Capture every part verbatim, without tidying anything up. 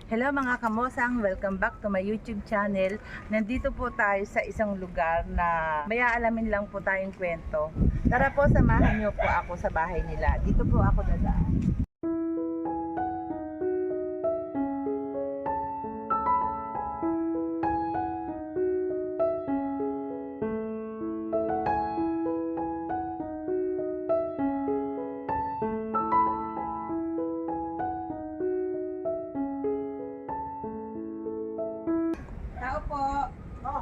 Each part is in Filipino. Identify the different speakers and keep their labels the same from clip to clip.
Speaker 1: Hello mga kamosang, welcome back to my YouTube channel. Nandito po tayo sa isang lugar na may aalamin lang po tayong kwento. Tara po, samahan niyo po ako sa bahay nila. Dito po ako dadaan. Tao po. Oh.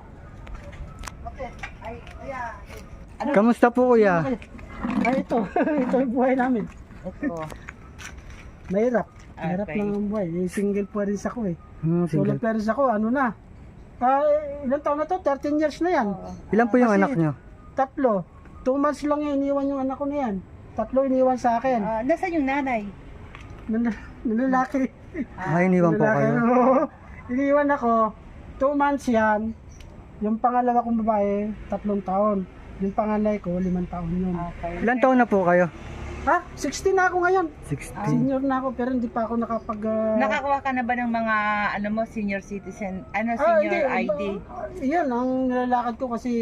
Speaker 1: Okay. Ay, kuya. Ano?
Speaker 2: Kamusta po kuya?
Speaker 3: Ay, ito. Ito yung buhay namin.
Speaker 1: Ito.
Speaker 3: Mahirap. Mahirap
Speaker 1: Okay.
Speaker 3: lang ang buhay. Eh, single parents ako eh.
Speaker 2: Hmm,
Speaker 3: Solo
Speaker 2: single.
Speaker 3: parents ako, ano na. Ah, ilang taon na to? thirteen years na yan.
Speaker 2: Ilan po yung
Speaker 3: Kasi-
Speaker 2: anak nyo?
Speaker 3: Tatlo. Two months lang yung iniwan yung anak ko na yan. Tatlo iniwan sa akin.
Speaker 1: Ah, nasaan yung nanay?
Speaker 3: Nan- Nanlalaki.
Speaker 2: Ah, iniwan po
Speaker 3: Nanlalaki.
Speaker 2: kayo.
Speaker 3: Oo. Iniwan ako. Two months yan. Yung pangalawa kong babae, tatlong taon. Yung panganay ko, limang taon yun.
Speaker 1: Okay.
Speaker 2: Ilan taon na po kayo?
Speaker 3: Ha? sixteen na ako ngayon.
Speaker 2: sixteen.
Speaker 3: Senior na ako pero hindi pa ako nakapag... ah,
Speaker 1: Nakakuha ka na ba ng mga ano mo senior citizen, ano
Speaker 3: Ah,
Speaker 1: senior
Speaker 3: hindi.
Speaker 1: I D,
Speaker 3: Ah, Yan, ang nilalakad ko kasi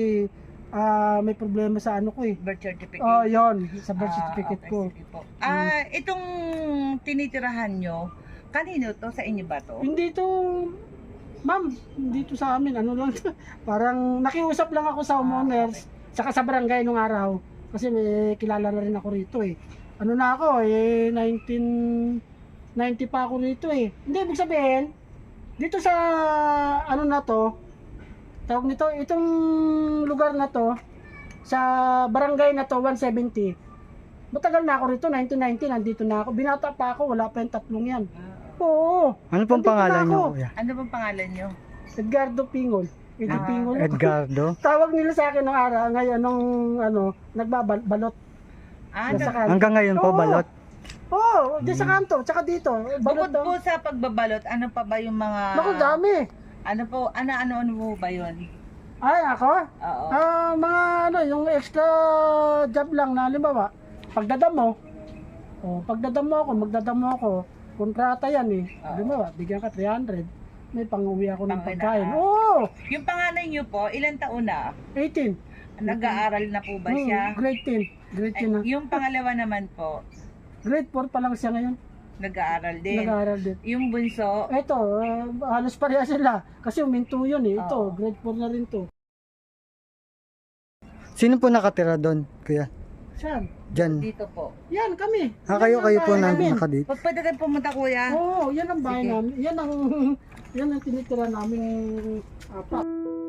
Speaker 3: ah, may problema sa ano ko eh.
Speaker 1: birth certificate?
Speaker 3: Oh, yon sa birth
Speaker 1: Ah,
Speaker 3: certificate
Speaker 1: okay,
Speaker 3: ko.
Speaker 1: sige po. Ah, itong tinitirahan nyo, kanino to? Sa inyo ba to?
Speaker 3: Hindi to, ma'am, hindi to sa amin. Ano lang, parang nakiusap lang ako sa homeowners, saka sa barangay nung araw. Kasi may kilala na rin ako rito eh. Ano na ako eh, nineteen ninety pa ako rito eh. Hindi, ibig sabihin, dito sa ano na to, tawag nito, itong lugar na to, sa barangay na to, one seventy. Matagal na ako rito, nineteen ninety, nandito na ako. Binata pa ako, wala pa yung tatlong yan. Oo.
Speaker 2: Ano pong
Speaker 3: Nandito
Speaker 2: pangalan
Speaker 3: na
Speaker 2: nyo
Speaker 3: ako.
Speaker 2: kuya?
Speaker 1: Ano bang pangalan nyo?
Speaker 3: Edgardo Pingol. Eddie
Speaker 1: Ah,
Speaker 3: Pingol.
Speaker 2: Edgardo?
Speaker 3: Tawag nila sa akin nung araw, ngayon nung ano, nagbabalot.
Speaker 1: Ah,
Speaker 3: Nasa
Speaker 1: nag-
Speaker 3: kanto.
Speaker 2: Hanggang ngayon po
Speaker 3: Oo.
Speaker 2: balot?
Speaker 3: Oo, oh, di sa kanto, tsaka dito. Balot
Speaker 1: bukod po
Speaker 3: daw.
Speaker 1: sa pagbabalot, ano pa ba yung mga...
Speaker 3: Naku, dami.
Speaker 1: Ano po, ano, ano, ano po ba yun?
Speaker 3: Ay, ako?
Speaker 1: Oo.
Speaker 3: Ah, mga ano, yung extra job lang na halimbawa, pagdadamo. Oh, pagdadamo ako, magdadamo ako. Kontrata yan eh.
Speaker 1: Oo.
Speaker 3: Halimbawa, bigyan ka three hundred. May pang-uwi ako ng
Speaker 1: Pang-uwi na.
Speaker 3: pagkain. Oo,
Speaker 1: Yung panganay nyo po, ilang taon na?
Speaker 3: eighteen.
Speaker 1: Nag-aaral na po ba
Speaker 3: Hmm,
Speaker 1: siya?
Speaker 3: grade ten. Grade
Speaker 1: Ay,
Speaker 3: ten na.
Speaker 1: yung pangalawa naman po,
Speaker 3: Grade four pa lang siya ngayon.
Speaker 1: nag-aaral din.
Speaker 3: Nag-aaral din.
Speaker 1: Yung bunso,
Speaker 3: Ito, uh, halos pareha sila. Kasi uminto yun eh. Ito,
Speaker 1: Oo.
Speaker 3: grade four na rin to.
Speaker 2: Sino po nakatira doon kuya?
Speaker 3: Saan?
Speaker 2: Diyan.
Speaker 1: dito po.
Speaker 3: Yan, kami.
Speaker 2: Ah,
Speaker 3: Yan
Speaker 2: kayo
Speaker 3: ang
Speaker 2: kayo po
Speaker 3: bahay
Speaker 2: na
Speaker 3: namin.
Speaker 2: nakadito.
Speaker 1: Pag pwede rin pumunta kuya.
Speaker 3: Oo, yan ang bahay
Speaker 1: Sige.
Speaker 3: namin. Yan ang, yan ang tinitira namin apat.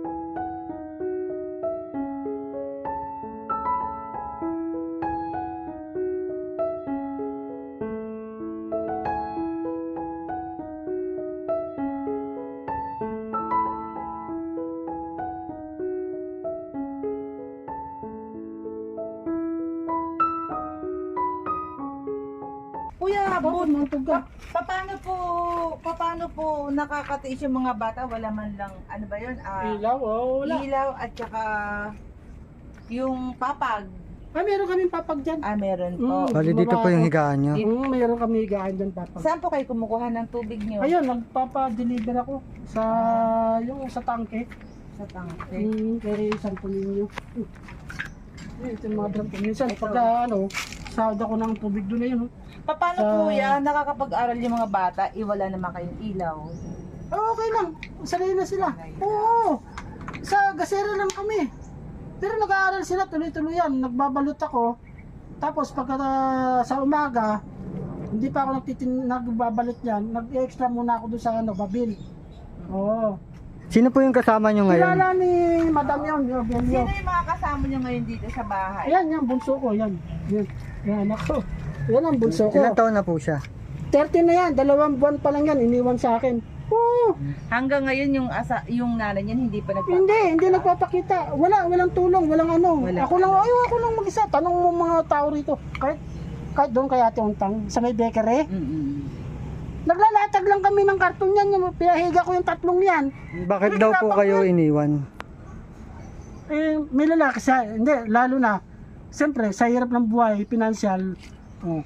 Speaker 1: Kuya,
Speaker 3: Bakit
Speaker 1: but,
Speaker 3: mga tuga?
Speaker 1: pa- paano po, paano po nakakatiis yung mga bata? Wala man lang, ano ba yun? Ah,
Speaker 3: Ilaw, oh, wala.
Speaker 1: ilaw at saka yung papag.
Speaker 3: Ah, meron kaming papag dyan.
Speaker 1: Ah, meron po.
Speaker 3: Mm.
Speaker 2: Bali dito po yung higaan nyo.
Speaker 3: Mm, meron kami higaan dyan papag.
Speaker 1: Saan po kayo kumukuha ng tubig nyo?
Speaker 3: Ayun, nagpapa-deliver ako sa, yung sa tangke.
Speaker 1: Sa tangke.
Speaker 3: Mm, kay San Polinio. Uh. Ito yung mga drum. Minsan,
Speaker 1: Ito.
Speaker 3: pag ano, sahod ako ng tubig doon na yun. Oh.
Speaker 1: Paano
Speaker 3: Sa-
Speaker 1: kuya, nakakapag-aral yung mga bata, iwala naman kayong ilaw?
Speaker 3: Ah, okay lang. Sanay na sila. Oo. Sa gasera lang kami. Pero nag-aaral sila tuloy-tuloy yan. Nagbabalot ako. Tapos pagka ah, sa umaga, hindi pa ako nagtitin nagbabalot yan. Nag-extra muna ako doon sa ano, babil. Oo.
Speaker 2: Sino po yung kasama nyo ngayon?
Speaker 3: Kilala ni Madam yun, yung
Speaker 1: Sino
Speaker 3: Belio.
Speaker 1: yung mga kasama nyo ngayon dito sa bahay?
Speaker 3: Ayan, yan, bunso ko. Yan. Yan, yan ako. Yan ang bunso ko.
Speaker 2: Ilan taon na po siya?
Speaker 3: thirty na yan. Dalawang buwan pa lang yan. Iniwan sa akin. Oo.
Speaker 1: Hanggang ngayon yung asa yung nanay niyan hindi pa nagpapakita.
Speaker 3: Hindi, hindi nagpapakita. Wala, walang tulong, walang ano.
Speaker 1: Wala
Speaker 3: ako lang, ayaw ako lang mag-isa. Tanong mo mga tao rito. Kahit, kahit doon kay Ate Untang, sa may bakery.
Speaker 1: Mm-mm.
Speaker 3: Naglalatag lang kami ng karton yan. Yung pinahiga ko yung tatlong yan.
Speaker 2: Bakit daw po kayo iniwan?
Speaker 3: Eh, may lalaki sa, hindi, lalo na. Siyempre, sa hirap ng buhay, financial. Oh,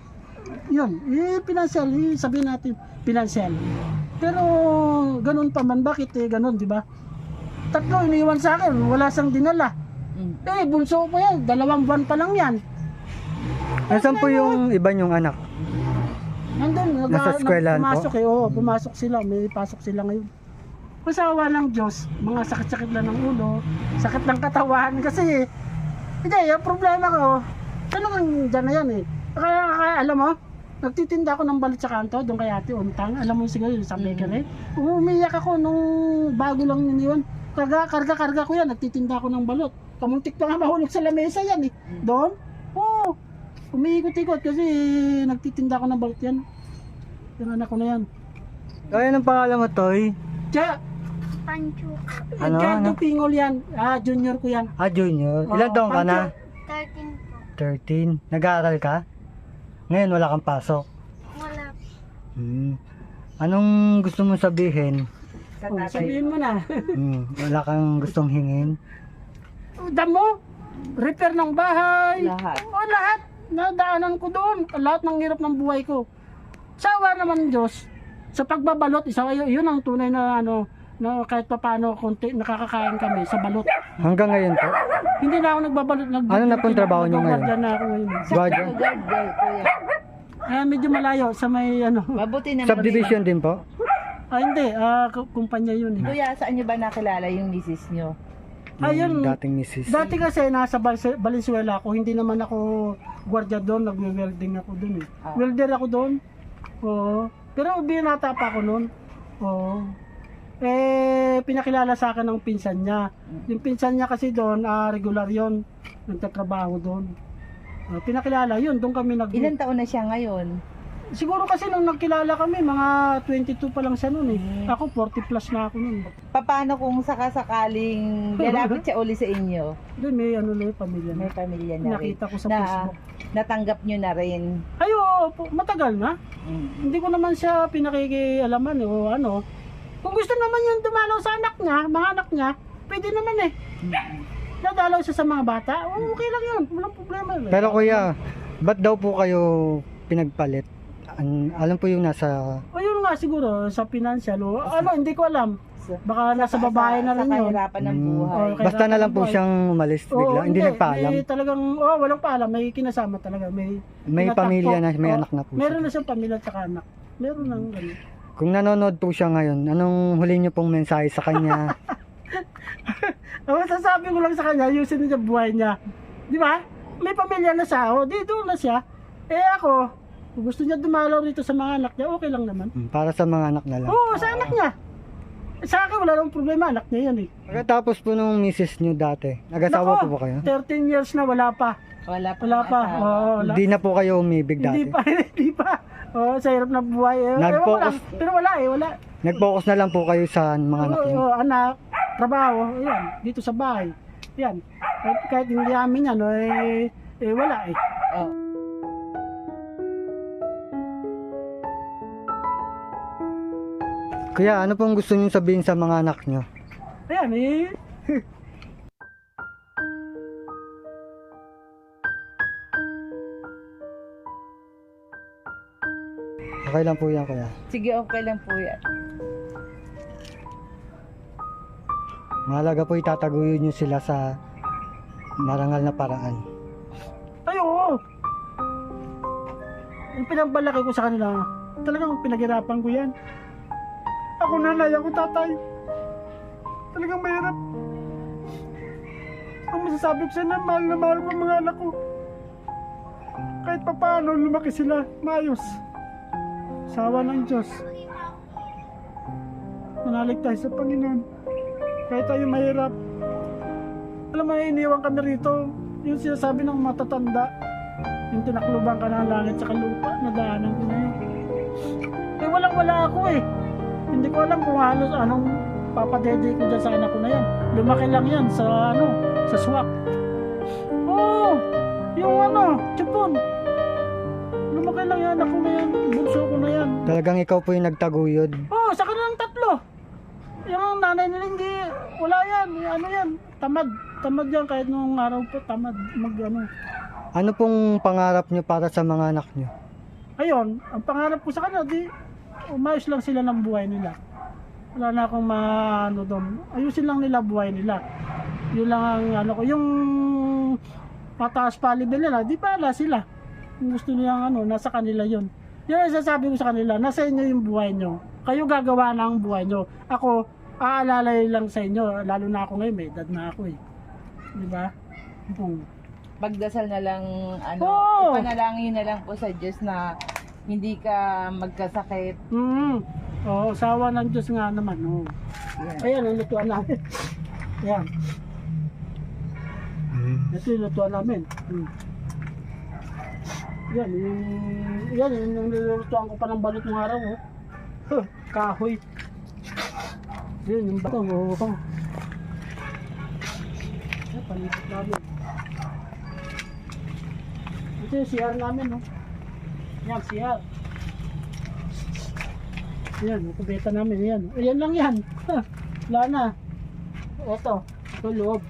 Speaker 3: yun, eh, financial, eh, sabihin natin, financial. Pero, ganun pa man, bakit eh, ganun, di ba? Tatlo, iniwan sa akin, wala siyang dinala.
Speaker 1: Mm.
Speaker 3: Eh, bunso pa yan, dalawang buwan pa lang yan.
Speaker 2: Nasaan po yung iba niyong anak?
Speaker 3: Nandun, nag,
Speaker 2: Nasa eskwelahan po?
Speaker 3: pumasok eh, oo, pumasok sila, may pasok sila ngayon. Kasawa ng Diyos, mga sakit-sakit lang ng ulo, sakit ng katawan, kasi, hindi, yung problema ko, ano kang dyan na yan eh. Kaya, kaya alam mo, nagtitinda ako ng balit sa kanto, doon kay ate Untang, alam mo siguro yung sa bakery. Umiyak ako nung bago lang niniwan, karga, karga, karga ko yan, nagtitinda ako ng balot. Kamuntik pa nga mahulog sa lamesa yan eh. Doon, oo, umiikot-ikot kasi nagtitinda ako ng balot yan. Yung anak ko na yan.
Speaker 2: Kaya ng pangalan mo, Toy?
Speaker 3: Kaya,
Speaker 4: Pancho.
Speaker 2: Ano,
Speaker 3: Ricardo
Speaker 2: ano?
Speaker 3: Pingol yan. Ah, junior ko yan.
Speaker 2: Ah, junior. Ilan
Speaker 3: Oo,
Speaker 2: taong ka na?
Speaker 4: thirteen po.
Speaker 2: thirteen. Nag-aaral ka? Ngayon wala kang pasok.
Speaker 4: Wala po.
Speaker 2: Hmm. Anong gusto mong sabihin?
Speaker 1: Sa
Speaker 3: Oh,
Speaker 1: tatay.
Speaker 3: sabihin mo na.
Speaker 2: Hmm. Wala kang gustong hingin?
Speaker 3: Damo, repair ng bahay.
Speaker 1: Lahat.
Speaker 3: O, lahat. Nadaanan ko doon. Lahat ng hirap ng buhay ko. Sawa naman Diyos. Sa pagbabalot, isa yun ang tunay na ano, na kahit pa paano konti nakakakain kami sa balot.
Speaker 2: Hanggang ngayon po?
Speaker 3: Hindi na ako nagbabalot. Nag
Speaker 2: Ano na pong trabaho niyo ngayon?
Speaker 3: Nagbabalot na ako ngayon.
Speaker 2: Guardia?
Speaker 1: Guard, guard, kuya.
Speaker 3: Ah, medyo malayo sa may ano.
Speaker 1: Mabuti naman.
Speaker 2: Subdivision din po?
Speaker 3: Ah, hindi. Ah, k- kumpanya yun eh.
Speaker 1: Kuya, saan nyo ba nakilala yung misis nyo?
Speaker 3: Ayun.
Speaker 2: Yung dating misis.
Speaker 3: Dati kasi nasa Bal- Valenzuela ako, hindi naman ako gwardiya doon, nagwe-welding ako doon eh.
Speaker 1: Ah.
Speaker 3: Welder ako doon. Oo. Pero binata pa ako noon. Oo. Eh, pinakilala sa akin ng pinsan niya. Yung pinsan niya kasi doon, ah, regular yon, nagtatrabaho doon. Ah, pinakilala yun, doon kami nag...
Speaker 1: Ilan taon na siya ngayon?
Speaker 3: Siguro kasi nung nagkilala kami, mga twenty-two pa lang siya noon eh.
Speaker 1: Mm.
Speaker 3: Ako, forty plus na ako noon.
Speaker 1: Paano kung sakasakaling lalapit siya uli sa inyo?
Speaker 3: Doon may ano na yung pamilya na.
Speaker 1: May pamilya na rin.
Speaker 3: Nakita ko sa
Speaker 1: Na
Speaker 3: Facebook.
Speaker 1: natanggap nyo na rin.
Speaker 3: Ay, oo, po, matagal na.
Speaker 1: Mm.
Speaker 3: Hindi ko naman siya pinakikialaman eh, o ano. Kung gusto naman yung dumalaw sa anak niya, mga anak niya, pwede naman eh. Nadalaw siya sa mga bata, oh, okay lang yun, walang problema. Eh.
Speaker 2: Pero kuya, ba't daw po kayo pinagpalit? An alam po yung nasa...
Speaker 3: O yun nga siguro, sa financial, o ano, hindi ko alam.
Speaker 1: Sa-
Speaker 3: Baka nasa babae na rin
Speaker 1: Sa
Speaker 3: yun.
Speaker 1: kahirapan ng
Speaker 2: Hmm.
Speaker 1: buhay.
Speaker 3: Okay.
Speaker 2: Basta na lang po siyang umalis
Speaker 3: Oo,
Speaker 2: bigla. Hindi nagpaalam.
Speaker 3: May talagang, oh, walang paalam, may kinasama talaga. May,
Speaker 2: May
Speaker 3: tinatakbo.
Speaker 2: pamilya na, may
Speaker 3: Oo,
Speaker 2: anak na po
Speaker 3: Meron
Speaker 2: siya.
Speaker 3: na siyang pamilya at saka anak. Meron nang ganun.
Speaker 2: Kung nanonood po siya ngayon, anong huli niyo pong mensahe sa kanya?
Speaker 3: Ang masasabi ko lang sa kanya, ayusin niya buhay niya. Di ba? May pamilya na siya, o di doon na siya. Eh ako, kung gusto niya dumalaw rito sa mga anak niya, okay lang naman.
Speaker 2: Hmm, Para sa mga anak na lang.
Speaker 3: Oo, sa anak niya. Sa akin, wala nang problema, anak niya yan eh.
Speaker 2: Pagkatapos po nung misis niyo dati, nag-asawa
Speaker 3: Nako,
Speaker 2: po ba kayo?
Speaker 3: thirteen years na, wala pa.
Speaker 1: Wala pa.
Speaker 3: Wala pa.
Speaker 1: asawa.
Speaker 3: Oo, wala.
Speaker 2: Hindi na po kayo umibig
Speaker 3: Hindi
Speaker 2: dati.
Speaker 3: pa, hindi pa. Oo, sa hirap na buhay. Eh,
Speaker 2: Nag-focus-
Speaker 3: ewan ko lang. Pero wala eh, wala.
Speaker 2: Nag-focus na lang po kayo sa mga anak
Speaker 3: Oo,
Speaker 2: niyo.
Speaker 3: oo, anak, trabaho, ayan, dito sa bahay. Yan. Kahit, kahit hindi amin yan, eh, eh wala eh.
Speaker 1: Oh.
Speaker 2: Kuya, ano pong gusto niyo sabihin sa mga anak niyo?
Speaker 3: Ayan eh.
Speaker 2: Okay lang po yan, kuya.
Speaker 1: Sige, okay lang po yan.
Speaker 2: Mahalaga po itataguyod niyo sila sa marangal na paraan.
Speaker 3: Ay, oo. Yung pinagbalaki ko sa kanila, talagang pinaghirapan ko yan. Ako nanay, ako tatay. Talagang mahirap. Ang masasabi ko sila, mahal na mahal ko ang mga anak ko. Kahit pa paano, lumaki sila, maayos. Sawa ng Diyos. Manalig tayo sa Panginoon. Kahit tayo mahirap. Alam mo, iniwan kami rito. Yung sinasabi ng matatanda. Yung tinakluban ka ng langit sa lupa. Nadaanan ko na yun. Eh, walang wala ako eh. Hindi ko alam kung halos anong papadede ko dyan sa anak ko na yan. Lumaki lang yan sa ano, sa swak. Oo, yung ano, Chipon. Lumaki lang yan, ako na yan, bunso ko na yan.
Speaker 2: Talagang ikaw po yung nagtaguyod.
Speaker 3: Oo, sa kanilang tatlo. Yung nanay nila hindi, wala yan, ano yan, tamad. Tamad yan kahit nung araw po, tamad mag ano.
Speaker 2: Ano pong pangarap niyo para sa mga anak niyo?
Speaker 3: ayun, ang pangarap ko sa kanila, di, umayos lang sila ng buhay nila. Wala na akong maano doon. Ayusin lang nila buhay nila. Yun lang ang ano ko. Yung pataas pa level nila, di pala sila. Kung gusto nilang ano, nasa kanila yun. Yan ang sasabi ko sa kanila, nasa inyo yung buhay nyo. Kayo gagawa na ang buhay nyo. Ako, aalalay lang sa inyo. Lalo na ako ngayon, may edad na ako eh. Di ba? Hmm.
Speaker 1: Magdasal na lang, ano,
Speaker 3: Oo.
Speaker 1: ipanalangin na lang po sa Diyos na hindi ka magkasakit.
Speaker 3: Mm. Oo, sawa ng Diyos nga naman. Oh.
Speaker 1: Yan.
Speaker 3: Ayan, ang lutuan namin. Ayan. Ito yung lutuan namin. Hmm. Yan, yung, yan, yung, yung nilulutuan ko pa ng balot ng araw. Oh. Huh, kahoy. Yan, yung bato. Oh, oh. Yan, panipat namin. Ito yung C R namin. Oh. Yan, C R. Yan, yung kubeta namin. Yan. Ayan lang yan. Ha, wala na. Ito, ito loob.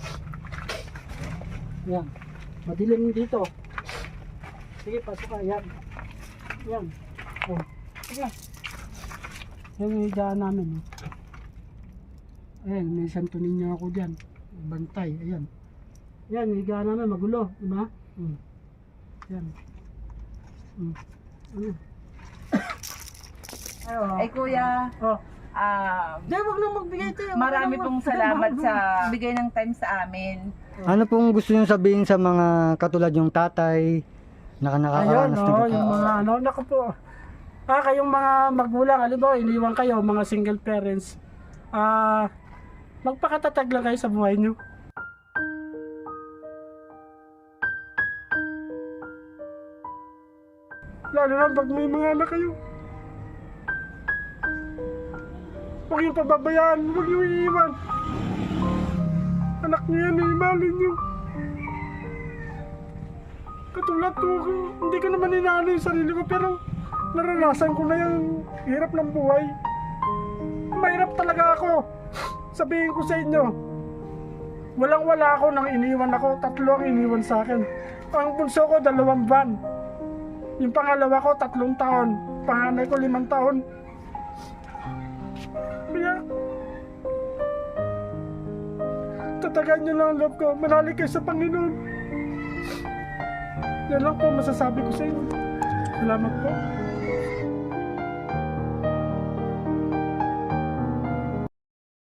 Speaker 3: Yan. Madilim dito. Sige, pasok ka. Yan. Yan. Oh. Sige. Yan yung higaan namin. Oh. Ayan, may santunin niya ako dyan. Bantay. Ayan. Yan, yung higaan namin. Magulo. Diba? Hmm. Yan. Hmm. Ano? Ay, oh.
Speaker 1: Ay kuya,
Speaker 3: Oh.
Speaker 1: ah,
Speaker 3: Di, wag na magbigay ito.
Speaker 1: marami pong salamat sa bigay ng time sa amin.
Speaker 2: Ano pong gusto niyo sabihin sa mga katulad yung tatay na
Speaker 3: Ayun,
Speaker 2: nakakaranas
Speaker 3: no,
Speaker 2: ng
Speaker 3: yung mga ano, naku po. Ah, kayong mga magulang, halimbawa, iniwan kayo, mga single parents. Ah, magpakatatag lang kayo sa buhay nyo. Lalo na pag may mga anak kayo. Huwag yung pababayaan, huwag yung iiwan. Anak niyo yan, imalin niyo. Katulad ko, hindi ko naman inaano yung sarili ko, pero naranasan ko na yung hirap ng buhay. Mahirap talaga ako. Sabihin ko sa inyo, walang wala ako nang iniwan ako, tatlo ang iniwan sa akin. Ang bunso ko, dalawang van. Yung pangalawa ko, tatlong taon. Panganay ko, limang taon. Kaya, tatagan nyo lang ang loob ko. Manali kayo sa Panginoon. Yan lang po masasabi ko sa inyo. Salamat po.